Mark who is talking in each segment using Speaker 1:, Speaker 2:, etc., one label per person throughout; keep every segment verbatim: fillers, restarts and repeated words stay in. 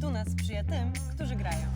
Speaker 1: Fortuna sprzyja tym, którzy grają.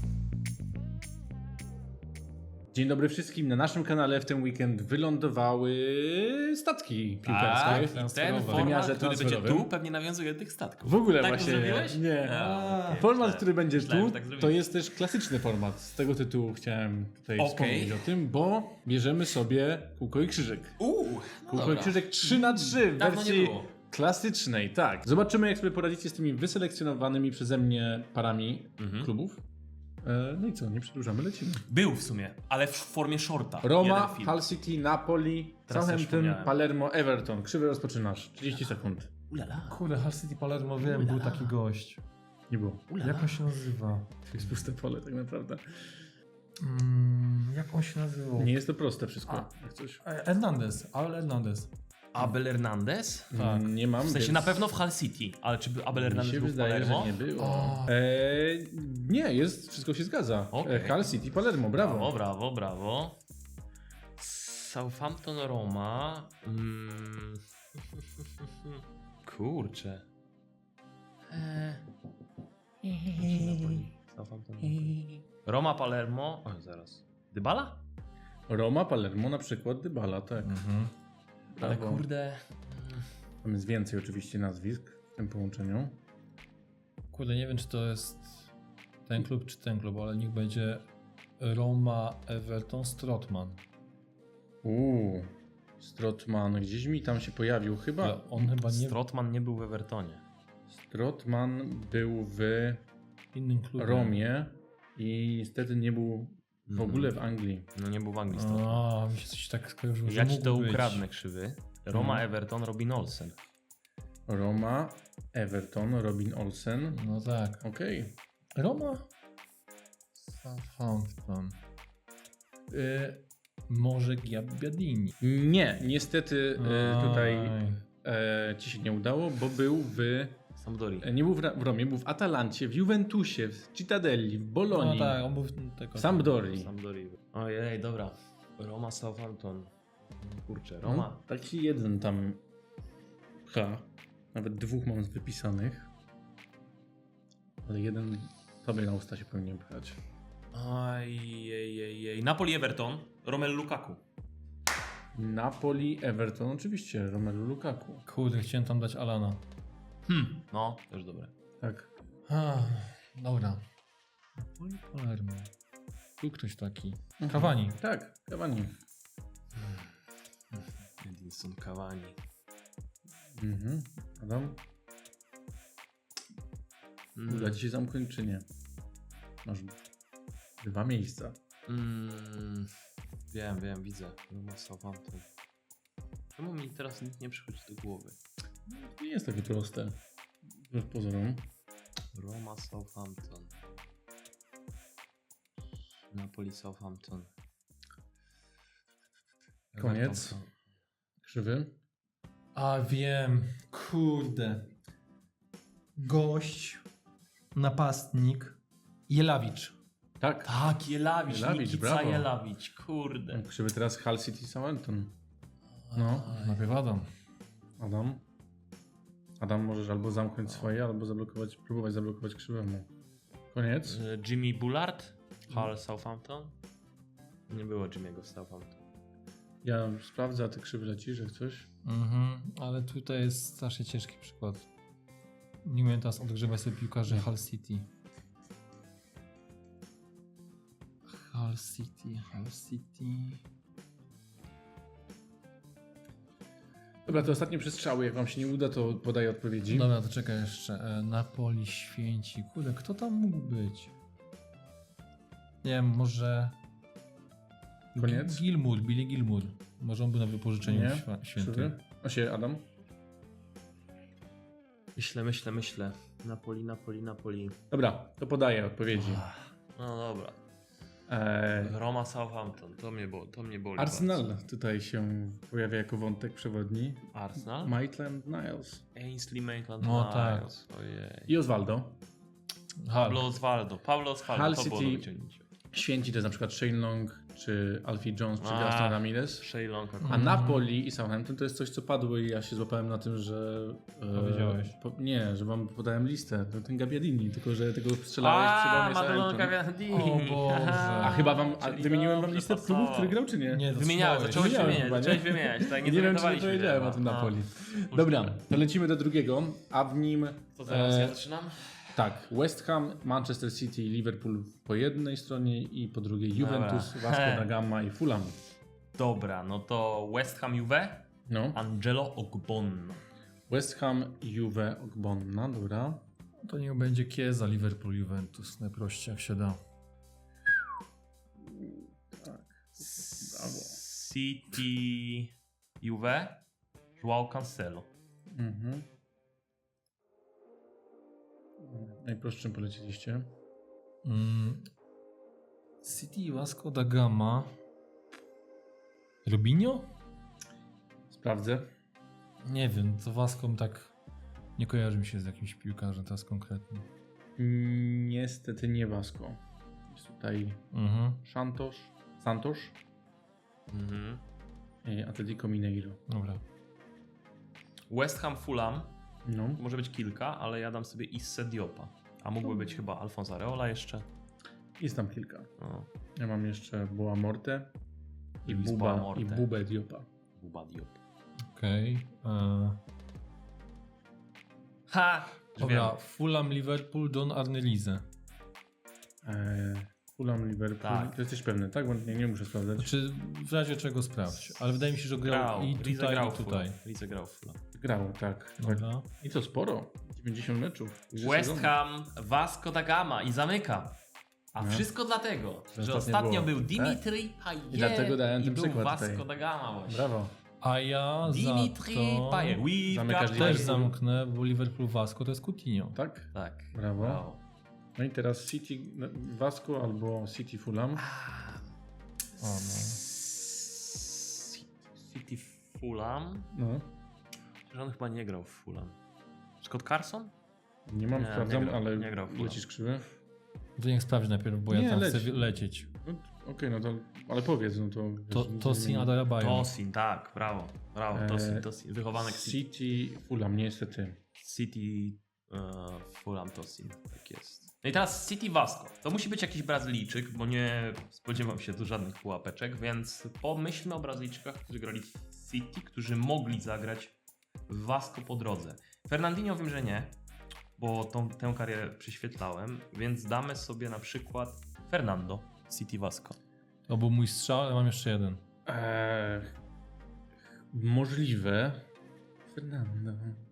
Speaker 2: Dzień dobry wszystkim. Na naszym kanale w ten weekend wylądowały statki piłkarskie.
Speaker 3: Tak, i ten
Speaker 2: w
Speaker 3: format,
Speaker 2: wymiarze
Speaker 3: który będzie
Speaker 2: transferowym.
Speaker 3: tu, pewnie nawiązuje do tych statków.
Speaker 2: W ogóle
Speaker 3: tak
Speaker 2: właśnie
Speaker 3: to zrobiłeś?
Speaker 2: nie.
Speaker 3: A, okay.
Speaker 2: Format,
Speaker 3: Myślałem-
Speaker 2: który będzie
Speaker 3: myślałem,
Speaker 2: tu,
Speaker 3: że tak zrobiłeś.
Speaker 2: to jest też klasyczny format. Z tego tytułu chciałem tutaj
Speaker 3: Okej.
Speaker 2: wspomnieć o tym, bo bierzemy sobie kółko i krzyżyk.
Speaker 3: Uuu, no
Speaker 2: Kółko i
Speaker 3: dobra.
Speaker 2: krzyżyk trzy na trzy w
Speaker 3: Dawno nie
Speaker 2: wersji
Speaker 3: było.
Speaker 2: klasycznej, tak. Zobaczymy, jak sobie poradzicie z tymi wyselekcjonowanymi przeze mnie parami
Speaker 3: Mhm.
Speaker 2: klubów. E, No i co, nie przedłużamy, lecimy.
Speaker 3: Był w sumie, ale w formie shorta.
Speaker 2: Roma,
Speaker 3: Jeden film.
Speaker 2: Hull City, Napoli,
Speaker 3: Teraz też
Speaker 2: Southampton,
Speaker 3: wspomniałem.
Speaker 2: Palermo, Everton. Krzywy rozpoczynasz. trzydzieści sekund.
Speaker 3: Ulala.
Speaker 4: Kurde, Hull City Palermo, wiem, był taki gość.
Speaker 2: Nie było.
Speaker 3: Ulala.
Speaker 4: Jak on się nazywa?
Speaker 2: To jest puste pole tak naprawdę.
Speaker 4: Mm, jak on się nazywał?
Speaker 2: Nie jest to proste wszystko.
Speaker 4: A.
Speaker 2: Jak coś.
Speaker 4: E, Hernandez, Abel Hernandez.
Speaker 3: Abel Hernandez?
Speaker 4: Tak.
Speaker 2: Mm, Nie mam.
Speaker 3: W sensie
Speaker 2: więc
Speaker 3: na pewno w Hull City, ale czy Abel
Speaker 2: Mi
Speaker 3: Hernandez
Speaker 2: się
Speaker 3: był w
Speaker 2: wydaje,
Speaker 3: Palermo?
Speaker 2: że nie było.
Speaker 4: O.
Speaker 2: Eee, nie, jest, wszystko się zgadza.
Speaker 3: Okej.
Speaker 2: E, Hull City, Palermo, brawo.
Speaker 3: Brawo, brawo, brawo. Southampton, Roma. Mm. Kurczę. Eee. Southampton, Roma, Palermo. O, zaraz. Dybala?
Speaker 2: Roma, Palermo, na przykład Dybala, tak.
Speaker 4: Mhm.
Speaker 3: Ale
Speaker 2: Brawo.
Speaker 3: kurde.
Speaker 2: Tam jest więcej oczywiście nazwisk w tym połączeniu.
Speaker 4: Kurde, nie wiem, czy to jest ten klub, czy ten klub, ale niech będzie Roma, Everton, Strootman.
Speaker 2: Uuu, Strootman, gdzieś mi tam się pojawił chyba.
Speaker 4: Ale on chyba nie
Speaker 3: Strotman nie był w Evertonie.
Speaker 2: Strootman był w
Speaker 4: w innym klubie.
Speaker 2: Romie i niestety nie był w
Speaker 3: Mhm.
Speaker 2: ogóle w Anglii.
Speaker 3: No nie był w Anglii Strotman.
Speaker 4: A, mi się coś tak skojarzyło, że
Speaker 3: Ja ci
Speaker 4: mógł
Speaker 3: to
Speaker 4: być.
Speaker 3: ukradnę, krzywy. Roma,
Speaker 2: Mhm.
Speaker 3: Everton, Robin Olsen.
Speaker 2: Roma, Everton, Robin Olsen.
Speaker 4: No tak.
Speaker 2: Okej.
Speaker 4: Roma? Southampton. Y, może Gabbiadini.
Speaker 2: Nie, niestety e, tutaj
Speaker 4: Aj.
Speaker 2: e, ci się nie udało, bo był w...
Speaker 3: Sampdori.
Speaker 2: e, Nie był w, Ra- w Romie, był w Atalancie, w Juventusie, w Cittadelli, w
Speaker 4: No
Speaker 2: Bolonii,
Speaker 4: tak, on był w tego.
Speaker 2: w Sampdorii.
Speaker 3: Sampdori. Ojej, dobra. Roma, Southampton. Kurczę,
Speaker 2: No,
Speaker 3: Roma.
Speaker 2: taki jeden tam H. Nawet dwóch mam wypisanych. Ale jeden tobie na usta się powinien pchać.
Speaker 3: Ojej, Napoli, Everton. Romelu Lukaku.
Speaker 2: Napoli, Everton, oczywiście, Romelu Lukaku.
Speaker 4: Kurde, chciałem tam dać Alana.
Speaker 3: Hmm. No, też dobre.
Speaker 2: Tak.
Speaker 4: Ah, dobra. Napoli, Palermo. Tu ktoś taki.
Speaker 2: Mhm.
Speaker 4: Cavani.
Speaker 2: Tak, Cavani.
Speaker 3: Edinson Cavani.
Speaker 2: Mhm. Adam,
Speaker 3: Mm.
Speaker 2: uda ci się zamknąć czy nie? Masz dwa miejsca.
Speaker 3: Mm. Wiem, wiem, widzę. Roma, Southampton. Czemu mi teraz nic nie przychodzi do głowy?
Speaker 2: To nie jest takie proste. Wbrew pozorom.
Speaker 3: Roma, Southampton. Napoli, Southampton.
Speaker 2: Koniec.
Speaker 3: Everton.
Speaker 2: Krzywy.
Speaker 4: A wiem. Kurde. Gość. Napastnik. Jelawicz.
Speaker 2: Tak.
Speaker 3: Tak, Jelawicz,
Speaker 2: Jelawicz,
Speaker 3: Nikica
Speaker 2: brawo.
Speaker 3: Jelawicz, kurde.
Speaker 2: Krzywy teraz Hull City, Southampton. No.
Speaker 4: Najpierw Adam.
Speaker 2: Adam. Adam, możesz albo zamknąć swoje, albo zablokować, próbować zablokować krzywemu. Koniec.
Speaker 3: E, Jimmy Bullard, Hull, Southampton. Nie było Jimmy'ego w Southampton.
Speaker 2: Ja sprawdzę, a ty krzywy lecisz, jak coś.
Speaker 4: Mhm, ale tutaj jest strasznie ciężki przykład. Nie umiem teraz odgrzewać sobie piłkarzy Hull City. Hull City, Hull City.
Speaker 2: Dobra, to ostatnie przestrzały. Jak wam się nie uda, to podaję odpowiedzi.
Speaker 4: Dobra, to czekaj jeszcze. E, Napoli, Święci. Kurde, kto tam mógł być? Nie wiem, może...
Speaker 2: Koniec?
Speaker 4: Gi- Gilmour, Billy Gilmour. Może on był na wypożyczeniu
Speaker 2: Nie?
Speaker 4: śwa- świętym.
Speaker 2: Krzywy. O się, Adam.
Speaker 3: Myślę, myślę, myślę. Napoli, Napoli, Napoli.
Speaker 2: Dobra, to podaję odpowiedzi.
Speaker 3: No dobra.
Speaker 2: Eee,
Speaker 3: Roma, Southampton. To mnie, bo, to mnie boli.
Speaker 2: Arsenal tutaj się pojawia jako wątek przewodni.
Speaker 3: bardzo. Arsenal?
Speaker 2: Maitland Niles.
Speaker 3: Ainsley Maitland
Speaker 4: No
Speaker 3: Niles. Ojej.
Speaker 2: I Osvaldo.
Speaker 4: Hull.
Speaker 3: Pablo Osvaldo. Pablo Osvaldo.
Speaker 2: Hull
Speaker 3: To było
Speaker 2: City.
Speaker 3: do wyciągnięcia.
Speaker 2: Święci to jest na przykład Shane Long czy Alfie Jones, czy
Speaker 3: A,
Speaker 2: Gaston Ramirez.
Speaker 3: Shea Long
Speaker 2: A
Speaker 3: akurat.
Speaker 2: Napoli i Southampton to jest coś, co padło i ja się złapałem na tym, że... e,
Speaker 4: Powiedziałeś.
Speaker 2: Po, nie, że wam podałem listę. To ten Gabbiadini, tylko że tego strzelałeś przy
Speaker 3: A,
Speaker 2: Romie
Speaker 3: Madonna
Speaker 2: Southampton.
Speaker 3: Gavardini.
Speaker 4: O Boże.
Speaker 2: A chyba wam... A
Speaker 3: Czyli
Speaker 2: wymieniłem wam
Speaker 3: dobrze
Speaker 2: listę
Speaker 3: pasowało.
Speaker 2: klubów, który grał, czy nie?
Speaker 4: Nie, to
Speaker 3: Wymieniałem,
Speaker 4: słuchałeś.
Speaker 3: zacząłeś
Speaker 2: Wymieniałem
Speaker 3: wymieniać,
Speaker 2: chyba, nie?
Speaker 3: zacząłeś wymieniać. Tak, nie
Speaker 2: Nie wiem, czy nie
Speaker 3: zorientowaliśmy się
Speaker 2: powiedziałem o
Speaker 3: chyba.
Speaker 2: tym
Speaker 3: A,
Speaker 2: Napoli.
Speaker 3: możliwe.
Speaker 2: Dobra, to lecimy do drugiego, a w nim...
Speaker 3: To zaraz
Speaker 2: e,
Speaker 3: ja zaczynam?
Speaker 2: Tak, West Ham, Manchester City i Liverpool po jednej stronie i po drugiej Juventus,
Speaker 3: Dobra.
Speaker 2: Vasco da Gama i Fulham.
Speaker 3: Dobra, no to West Ham Juve,
Speaker 2: No,
Speaker 3: Angelo Ogbonna.
Speaker 2: West Ham, Juve, Ogbonna, dobra.
Speaker 4: To niech będzie Chiesa, Liverpool, Juventus. Najprościej jak się da.
Speaker 2: Tak, brawo.
Speaker 3: City Juve, João Cancelo.
Speaker 2: Mhm. Najprostszym poleciliście.
Speaker 4: Mm. City, Vasco da Gama. Robinho?
Speaker 2: Sprawdzę.
Speaker 4: Nie wiem, to Vasco tak nie kojarzy mi się z jakimś piłkarzem teraz konkretnie.
Speaker 2: Niestety nie Vasco. Jest tutaj
Speaker 4: Mhm.
Speaker 2: Santos, Santos
Speaker 3: Mhm.
Speaker 2: i Atletico Mineiro.
Speaker 4: Dobra.
Speaker 3: West Ham Fulham,
Speaker 2: No,
Speaker 3: może być kilka, ale ja dam sobie Isse Diopa. A mógłby być chyba Alfonso Areola jeszcze.
Speaker 2: jest tam kilka.
Speaker 3: No,
Speaker 2: Ja mam jeszcze Boa Morte i
Speaker 3: Luis
Speaker 2: Buba,
Speaker 3: Boa Morte.
Speaker 2: i Bubę Diopa.
Speaker 3: Buba Diop.
Speaker 4: Okej. Okay.
Speaker 3: Ha! Już
Speaker 4: Dobra,
Speaker 3: wiem.
Speaker 4: Fulham, Liverpool, Don Arnelize.
Speaker 2: Eee, Fulham, Liverpool.
Speaker 3: Tak.
Speaker 2: To jesteś pewny, tak? Bo nie, nie muszę sprawdzać.
Speaker 4: Znaczy, w razie czego sprawdź. Ale wydaje mi się, że grał,
Speaker 3: Grał,
Speaker 4: i
Speaker 3: Rize
Speaker 4: tutaj,
Speaker 3: grał
Speaker 4: i
Speaker 3: w
Speaker 4: tutaj.
Speaker 3: Fulham. Rize grał w Fulham.
Speaker 2: Grało, tak.
Speaker 4: Dobra.
Speaker 2: I to sporo. dziewięćdziesiąt meczów. Trzy
Speaker 3: West
Speaker 2: sezony.
Speaker 3: Ham, Vasco da Gama i zamykam. A
Speaker 2: No.
Speaker 3: wszystko dlatego, że
Speaker 2: ostatnio
Speaker 3: ostatnio
Speaker 2: było.
Speaker 3: był
Speaker 2: Tak.
Speaker 3: Dimitri Payet
Speaker 2: I dlatego dałem
Speaker 3: i
Speaker 2: ten
Speaker 3: był
Speaker 2: przykład
Speaker 3: Vasco
Speaker 2: tutaj.
Speaker 3: da Gama właśnie.
Speaker 2: Brawo.
Speaker 4: A ja
Speaker 3: Dimitri
Speaker 4: za to
Speaker 3: Payet. We've
Speaker 2: Zamykasz
Speaker 3: got
Speaker 2: Liverpool.
Speaker 4: też zamknę, bo Liverpool Vasco to jest Coutinho.
Speaker 2: Tak?
Speaker 3: Tak.
Speaker 2: Brawo.
Speaker 3: Brawo.
Speaker 2: No i teraz City Vasco albo City Fulham.
Speaker 4: O, no.
Speaker 3: City Fulham.
Speaker 2: No.
Speaker 3: Że on chyba nie grał w Fulham. Scott Carson?
Speaker 2: Nie mam,
Speaker 3: Nie,
Speaker 2: sprawdzam,
Speaker 3: nie grał-
Speaker 2: ale
Speaker 3: nie grał w Fulham.
Speaker 2: lecisz krzywy.
Speaker 4: To niech sprawdzi najpierw, bo ja
Speaker 2: Nie,
Speaker 4: tam
Speaker 2: leć.
Speaker 4: chcę lecieć.
Speaker 2: No, Okej, no to, ale powiedz, no to...
Speaker 4: To,
Speaker 2: wiesz,
Speaker 4: Tosin
Speaker 2: nie-
Speaker 4: Adarabayo.
Speaker 3: Tosin, tak, brawo. Brawo,
Speaker 2: Eee,
Speaker 3: Tosin, Tosin. Wychowanek City.
Speaker 2: City Fulham, niestety.
Speaker 3: City e, Fulham Tosin, tak jest. No i teraz City Vasco. To musi być jakiś Brazylijczyk, bo nie spodziewam się tu żadnych pułapeczek, więc pomyślmy o Brazylijczykach, którzy grali w City, którzy mogli zagrać w Vasco po drodze. Fernandinho wiem, że nie, bo tą, tę karierę prześwietlałem, więc damy sobie na przykład Fernando City Vasco.
Speaker 4: To był mój strzał, ale mam jeszcze jeden.
Speaker 2: Eee, możliwe. Fernando.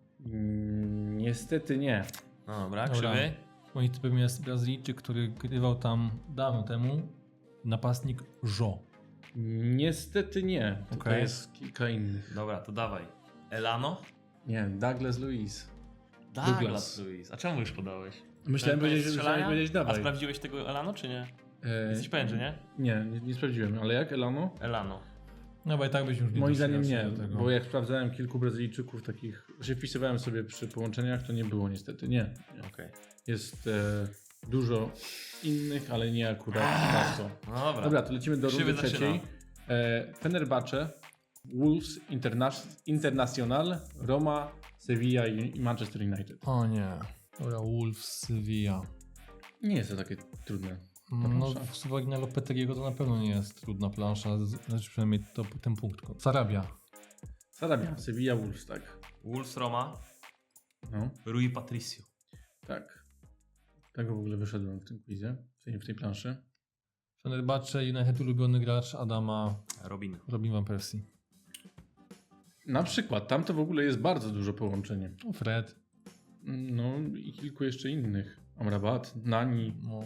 Speaker 2: Mm, niestety nie.
Speaker 3: No dobra,
Speaker 4: Dobra.
Speaker 3: krzywy.
Speaker 4: Moim typem jest Brazylijczyk, który grywał tam dawno temu. Napastnik Jo.
Speaker 2: Niestety nie. Tylko
Speaker 4: Okej.
Speaker 2: jest kilka innych.
Speaker 3: Dobra, to dawaj. Elano?
Speaker 2: Nie, Douglas Luiz.
Speaker 3: Douglas,
Speaker 2: Douglas.
Speaker 3: Luiz. A czemu już podałeś?
Speaker 2: Myślałem
Speaker 3: To jest
Speaker 2: powiedzieć, że
Speaker 3: strzelania?
Speaker 2: myślałem powiedzieć
Speaker 3: A
Speaker 2: dawaj.
Speaker 3: sprawdziłeś tego Elano, czy nie?
Speaker 2: Eee,
Speaker 3: Jesteś pewien, że nie?
Speaker 2: Nie, nie, nie sprawdziłem, ale jak Elano?
Speaker 3: Elano.
Speaker 4: No bo i tak byś już nie
Speaker 2: Moim
Speaker 4: doszedł
Speaker 2: zdaniem nie,
Speaker 4: do tego.
Speaker 2: bo jak sprawdzałem kilku Brazylijczyków takich, że wpisywałem sobie przy połączeniach, to nie było niestety, nie. nie.
Speaker 3: Okej.
Speaker 2: Jest e, dużo innych, ale nie akurat Vasco.
Speaker 3: No dobra.
Speaker 2: Dobra, to lecimy do
Speaker 3: Krzywy
Speaker 2: rundy trzeciej. E, Fenerbahce, Wolves, Interna- Internacional, Roma, Sevilla i, i Manchester United.
Speaker 4: O nie. Dobra, Wolves, Sevilla.
Speaker 2: Nie jest to takie trudne.
Speaker 4: No,
Speaker 2: plansza.
Speaker 4: z uwagi na Lopeteggiego to na pewno nie jest trudna plansza, z- znaczy przynajmniej to, ten punkt. Sarabia.
Speaker 2: Sarabia, Sevilla, Wolves, tak.
Speaker 3: Wolves Roma,
Speaker 2: No,
Speaker 3: Rui Patricio.
Speaker 2: tak. Tego w ogóle wyszedłem w tym quizie, w tej, w tej planszy.
Speaker 4: Fenerbahce, United ulubiony gracz Adama,
Speaker 3: Robin.
Speaker 4: Robin Van Persie.
Speaker 2: Na przykład, tam to w ogóle jest bardzo dużo połączenie.
Speaker 4: No, Fred.
Speaker 2: No i kilku jeszcze innych. Amrabat, Nani,
Speaker 4: No.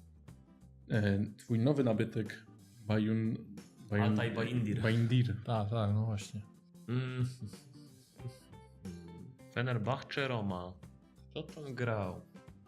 Speaker 2: e, twój nowy nabytek, Bayun... Bayun
Speaker 3: Altay Bayindir.
Speaker 2: Bayindir.
Speaker 4: Tak, tak, no właśnie.
Speaker 3: Mm. Fenerbahce Roma. Kto tam grał?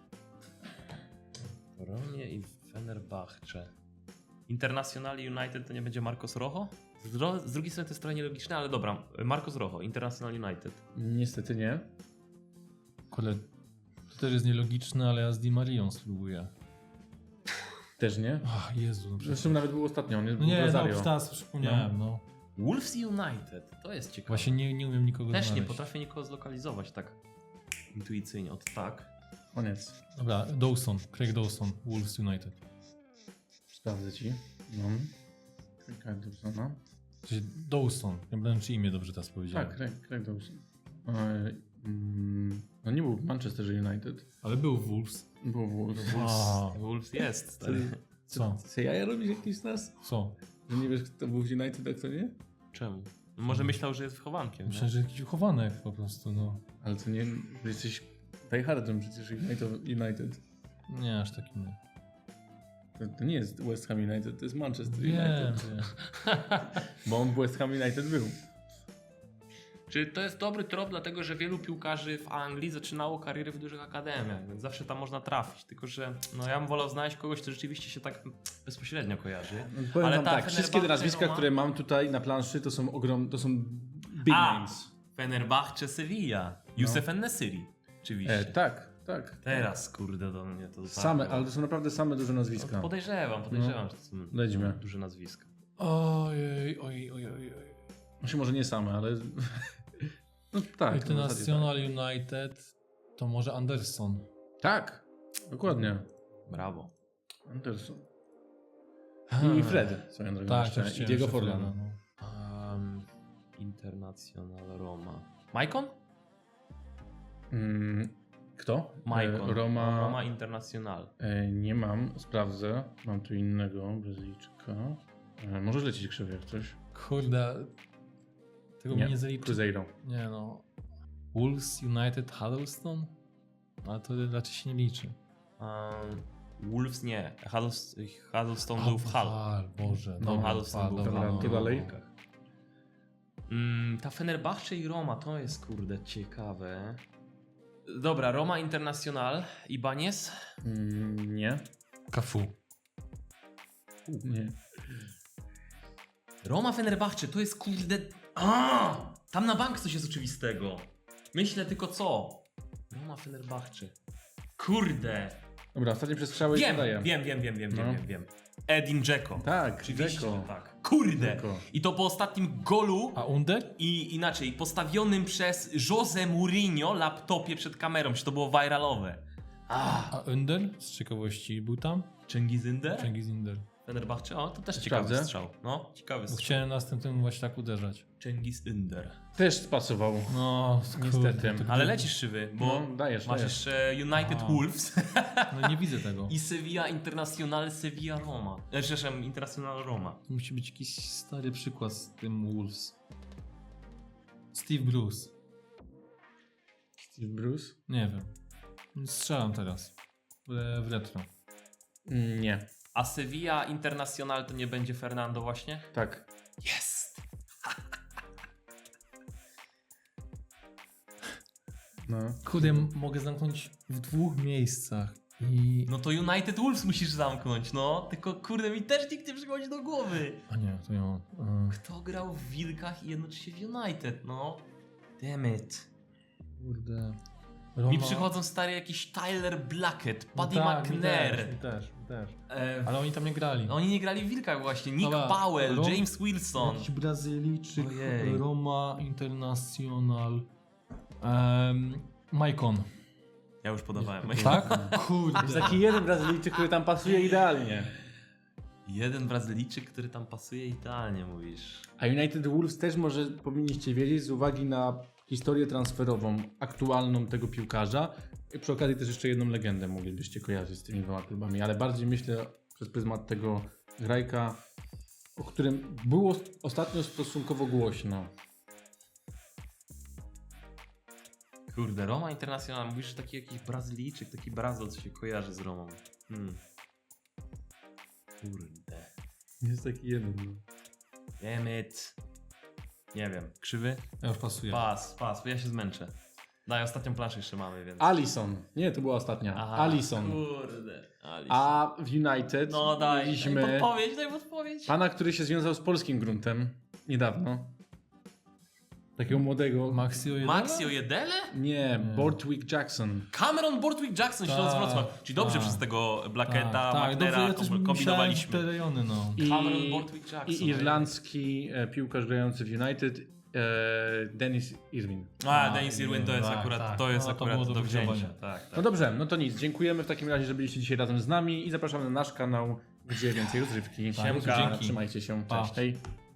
Speaker 3: W Romie i w Fenerbahce. Internazionali United to nie będzie Marcos Rojo? Z, dro- z drugiej strony to jest trochę nielogiczne, ale dobra. Marcos Rojo, International United.
Speaker 2: Niestety nie.
Speaker 4: Kurde, to też jest nielogiczne, ale ja z Di Marią spróbuję.
Speaker 2: Też nie.
Speaker 4: Ach, Jezu. No,
Speaker 2: Zresztą nawet był ostatnio, on jest
Speaker 4: no
Speaker 2: był
Speaker 4: nie,
Speaker 2: Rosario.
Speaker 4: no, teraz przypomniałem, no.
Speaker 3: Wolves United, to jest ciekawe.
Speaker 4: Właśnie nie, nie umiem nikogo
Speaker 3: Też nie
Speaker 4: znaleźć.
Speaker 3: potrafię nikogo zlokalizować tak intuicyjnie, od tak.
Speaker 2: Koniec.
Speaker 4: Dobra, Dawson, Craig Dawson, Wolves United.
Speaker 2: Sprawdzę ci. No. Craig Dawsona.
Speaker 4: Czyli Dawson, nie wiem czy imię dobrze teraz powiedziałem.
Speaker 2: Tak, Craig, Craig Dawson. E, mm, no nie był w Manchester United.
Speaker 4: Ale był w Wolves.
Speaker 2: Był w Wolves.
Speaker 4: A,
Speaker 3: Wolves jest, stary.
Speaker 4: co?
Speaker 2: Co ja robisz jakiś nas?
Speaker 4: Co?
Speaker 2: Że nie wiesz kto był w United, a kto nie?
Speaker 3: Czemu? No może myślał, że jest wychowankiem.
Speaker 4: Myślę, że jakiś chowanek po prostu, no.
Speaker 2: Ale to nie, że jesteś diehardem przecież United. United.
Speaker 4: Nie, aż takim nie.
Speaker 2: To, to nie jest West Ham United, to jest Manchester
Speaker 4: Wiem,
Speaker 2: United.
Speaker 4: wiem.
Speaker 2: Bo on w West Ham United był.
Speaker 3: Czy to jest dobry trop, dlatego że wielu piłkarzy w Anglii zaczynało karierę w dużych akademiach, więc zawsze tam można trafić. Tylko że no ja bym wolał znaleźć kogoś, kto rzeczywiście się tak bezpośrednio kojarzy.
Speaker 2: Powiem
Speaker 3: Ale
Speaker 2: wam
Speaker 3: ta
Speaker 2: tak, wszystkie te
Speaker 3: Fenerbahce,
Speaker 2: nazwiska,
Speaker 3: Roma-
Speaker 2: które mam tutaj na planszy, to są ogrom, to są big
Speaker 3: A!
Speaker 2: names.
Speaker 3: Fenerbahce, Sevilla, Youssef En-Nesyri. Oczywiście.
Speaker 2: E, tak, tak.
Speaker 3: Teraz kurde do mnie to dotarło.
Speaker 2: Same, ale to są naprawdę same duże
Speaker 3: No,
Speaker 2: nazwiska.
Speaker 3: podejrzewam, podejrzewam, że to są
Speaker 2: Lećmy.
Speaker 3: duże nazwiska.
Speaker 4: Ojej, ojej, ojej, ojej.
Speaker 2: Znaczy może nie same, ale... No tak. w zasadzie
Speaker 4: International United to może Anderson.
Speaker 2: Tak, tak dokładnie.
Speaker 3: Brawo.
Speaker 2: Anderson.
Speaker 4: Hmm.
Speaker 2: I Fred, swoją drogą
Speaker 4: Tak,
Speaker 2: jeszcze.
Speaker 4: też
Speaker 2: I
Speaker 4: chciałem
Speaker 2: Diego
Speaker 4: jeszcze
Speaker 2: Forlan.
Speaker 4: Freda, no.
Speaker 3: Um, International Roma. Maicon?
Speaker 2: Mm, kto?
Speaker 3: Maicon.
Speaker 2: E, Roma...
Speaker 3: Roma International.
Speaker 2: E, nie mam, sprawdzę. Mam tu innego Brazylijczyka. E, możesz lecieć krzywy jak coś.
Speaker 4: Kurde. Tego mi nie zaliczy.
Speaker 2: Cruzeiro.
Speaker 4: Nie no. Wolves United Huddleston? Ale to raczej się nie liczy.
Speaker 3: Um, Wolves nie. Huddleston, Huddleston był w Hull.
Speaker 4: Hull, Boże.
Speaker 3: No,
Speaker 4: dobra,
Speaker 3: Huddleston był w
Speaker 2: dobra,
Speaker 3: Hull.
Speaker 2: to dalej.
Speaker 3: Mm, ta Fenerbahce i Roma, to jest kurde ciekawe. Dobra, Roma International i Banies?
Speaker 2: Mm, nie.
Speaker 4: Cafu.
Speaker 2: Nie.
Speaker 3: Roma Fenerbahce, to jest kurde... A! Tam na bank coś jest oczywistego. Myślę tylko co? Roma Fenerbahce. Kurde.
Speaker 2: Dobra, ostatnie przestrzały i
Speaker 3: Wiem,
Speaker 2: podaję.
Speaker 3: wiem, wiem, wiem, wiem,
Speaker 2: No.
Speaker 3: wiem, wiem, wiem. Edin Dzeko.
Speaker 2: Tak,
Speaker 3: Oczywiście,
Speaker 2: Dzeko.
Speaker 3: tak. Kurde.
Speaker 2: Dzeko.
Speaker 3: I to po ostatnim golu
Speaker 4: A Under?
Speaker 3: i inaczej, postawionym przez Jose Mourinho laptopie przed kamerą, czy to było viralowe. Ah.
Speaker 4: A Under? Z ciekawości był tam?
Speaker 3: Cengiz Ünder?
Speaker 4: Cengiz Under.
Speaker 3: Fenerbahce? O, to też ciekawy
Speaker 2: Sprawdzę.
Speaker 3: strzał. No, ciekawy
Speaker 4: Bo
Speaker 3: strzał.
Speaker 4: chciałem następnym właśnie tak uderzać.
Speaker 3: Cengiz Ünder.
Speaker 2: Też spasował.
Speaker 4: No,
Speaker 2: Niestety.
Speaker 4: kurde, to
Speaker 3: Ale
Speaker 4: gdy-
Speaker 3: lecisz szyby, bo
Speaker 2: No, dajesz,
Speaker 3: masz
Speaker 2: dajesz.
Speaker 3: jeszcze United
Speaker 4: A.
Speaker 3: Wolves
Speaker 4: No nie widzę tego.
Speaker 3: i Sevilla Internacional Sevilla Roma. E, Przepraszam, Internacional Roma.
Speaker 4: To musi być jakiś stary przykład z tym Wolves. Steve Bruce.
Speaker 2: Steve Bruce?
Speaker 4: Nie wiem. Strzelam teraz. W, w retro.
Speaker 2: Mm, nie.
Speaker 3: A Sevilla Internacional to nie będzie Fernando właśnie?
Speaker 2: Tak.
Speaker 3: Jest!
Speaker 2: No.
Speaker 4: Kurde, m- mogę zamknąć w dwóch miejscach. I...
Speaker 3: No to United Wolves musisz zamknąć, no. Tylko kurde, mi też nikt nie przychodzi do głowy.
Speaker 4: A nie, to ja... y,
Speaker 3: Kto grał w Wilkach i jednoczy się w United, no? Damn it.
Speaker 4: Kurde...
Speaker 3: Mi przychodzą stary jakiś Tyler Blackett,
Speaker 4: No
Speaker 3: Paddy
Speaker 4: tak, mi
Speaker 3: McNair.
Speaker 4: też, mi też, mi też.
Speaker 3: E,
Speaker 4: Ale oni tam nie grali.
Speaker 3: no oni nie grali w Wilkach właśnie. Nick
Speaker 4: Dobra,
Speaker 3: Powell,
Speaker 4: Rom-
Speaker 3: James Wilson.
Speaker 4: Jakiś Brazylijczyk,
Speaker 3: Ojej.
Speaker 4: Roma International... Um, Maicon.
Speaker 3: Ja już podawałem.
Speaker 4: Tak? Kurde.
Speaker 2: Jest taki jeden Brazylijczyk, który tam pasuje idealnie.
Speaker 3: Jeden Brazylijczyk, który tam pasuje idealnie, mówisz.
Speaker 2: A United Wolves też może powinniście wiedzieć z uwagi na historię transferową aktualną tego piłkarza. I przy okazji też jeszcze jedną legendę moglibyście kojarzyć z tymi dwoma klubami, ale bardziej myślę przez pryzmat tego grajka, o którym było ostatnio stosunkowo głośno.
Speaker 3: Kurde, Roma Internacional, mówisz, że taki jakiś Brazylijczyk, taki Brazil, co się kojarzy z Romą. Hmm. Kurde.
Speaker 2: Jest taki jeden. No.
Speaker 3: Damn it. Nie wiem. Krzywy?
Speaker 4: Ja już pasuję.
Speaker 3: Pas, pas, bo ja się zmęczę. Daj, ostatnią planszę jeszcze mamy, więc...
Speaker 2: Alisson. Nie, to była ostatnia.
Speaker 3: Aha,
Speaker 2: Alisson.
Speaker 3: Kurde. Alisson.
Speaker 2: A w United
Speaker 3: No daj,
Speaker 2: mieliśmy
Speaker 3: daj podpowiedź, daj podpowiedź.
Speaker 2: pana, który się związał z polskim gruntem niedawno. Takiego młodego.
Speaker 4: Maxi Ojedele?
Speaker 3: Maxi Ojedele?
Speaker 2: Nie, Bortwick Jackson.
Speaker 3: Cameron Bortwick Jackson, Śląsk
Speaker 4: Tak,
Speaker 3: Wrocław. Czyli dobrze
Speaker 4: tak.
Speaker 3: przez tego Blacketa,
Speaker 4: Tak, tak, dobrze,
Speaker 3: Magnera
Speaker 4: ja też myślałem w
Speaker 3: kombinowaliśmy.
Speaker 4: te rejony, no.
Speaker 2: I,
Speaker 3: Cameron Bortwick Jackson.
Speaker 2: I irlandzki e, piłkarz grający w United, e, Dennis Irwin.
Speaker 3: A,
Speaker 4: A,
Speaker 3: Dennis Irwin to jest
Speaker 4: tak,
Speaker 3: akurat,
Speaker 4: tak.
Speaker 3: to jest
Speaker 4: No, to
Speaker 3: akurat
Speaker 4: było
Speaker 3: do
Speaker 4: do
Speaker 3: wzięcia.
Speaker 4: wygrzebania.
Speaker 3: Tak, tak.
Speaker 2: No dobrze, no to nic. Dziękujemy w takim razie, że byliście dzisiaj razem z nami i zapraszamy na nasz kanał, gdzie więcej rozrywki.
Speaker 3: Siemka.
Speaker 2: Trzymajcie się.
Speaker 4: Pa.
Speaker 2: Cześć. Hej.